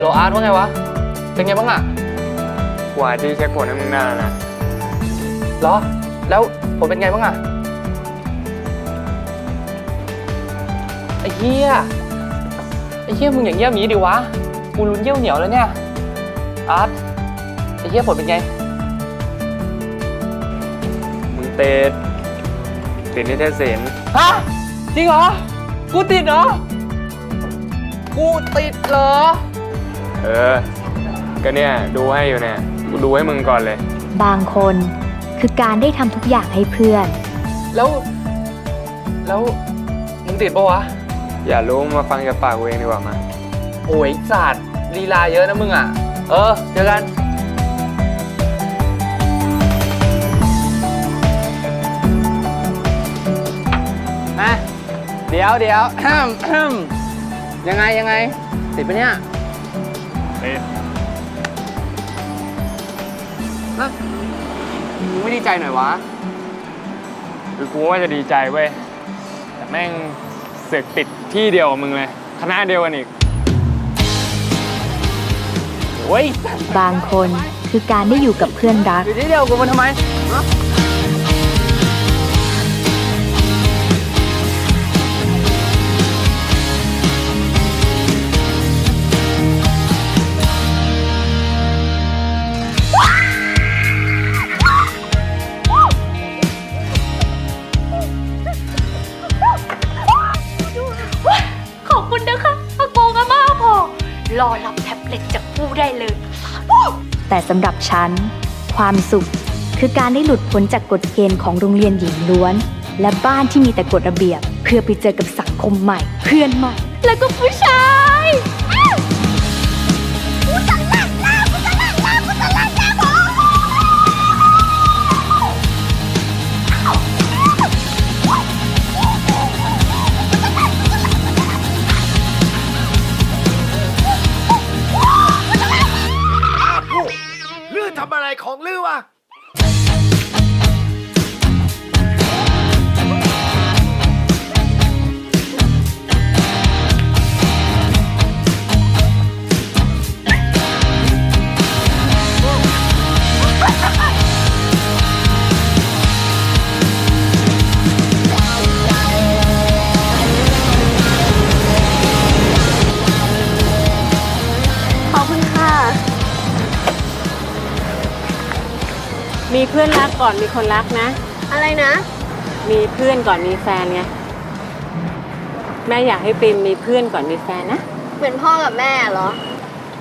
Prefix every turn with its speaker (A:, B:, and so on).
A: โลอาร์ตว่าไงวะ เป็นไงบ้างอะ
B: กว่าที่เช็คผลให้มึงได้แล้วนะ
A: เหรอ แล้วผลเป็นไงบ้างอะไอ้เหี้ยมึงอย่างเงี้ยมีดิวะ กูลุ้นเยี่ยวเหนียวแล้วเนี่ย อาร์ตไอ้เหี้ยผลเป็นไง
B: มึงติดนิเทศศิลป์
A: ฮะ จริงเหรอ กูติดเหรอ กูติดเหรอ
B: ก็เนี่ยดูให้อยู่เนี่ย กูดูให้มึงก่อนเลย
C: บางคนคือการได้ทำทุกอย่างให้เพื่อน
A: แล้วมึงติดปะวะ
B: อย่ารู้มาฟังจากปากกูเองดีกว่ามา
A: โอ้ยสัตว์ลีลาเยอะนะมึงอ่ะ เจอกันอะเดี๋ยวยังไงติดปะเนี่ย
B: ติด
A: ฮะมึงไม่ดีใจหน่อยวะ
B: คือกูว่าจะดีใจเว้ย แต่แม่งเสือกติดที่เดียวกับมึงเลย คณะเดียวกันอีก
A: โอ้ย
C: บางคนคือการได้อยู่กับเพื่อนรัก
A: อยู่ที่เดียวกูมันทำไมฮะ
D: ขอบคุณนะคะอากงอาม่าพอรอรับแท็บเล็ตจากผู้ได้เลย
C: แต่สำหรับฉัน ความสุขคือการได้หลุดพ้นจากกฎเกณฑ์ของโรงเรียนหญิงล้วน และบ้านที่มีแต่กฎระเบียบ เพื่อไปเจอกับสังคมใหม่ เพื่อนใหม่
D: แล้วก็ผู้ชาย
E: ลื่นทำอะไรของลื่นวะ
D: ขอบคุณค่ะ
F: มีเพื่อนรักก่อนมีคนรักนะ
D: อะไรนะ
F: มีเพื่อนก่อนมีแฟนไง แม่อยากให้ปิมมีเพื่อนก่อนมีแฟนนะ
D: เหมือนพ่อกับแม่เหรอ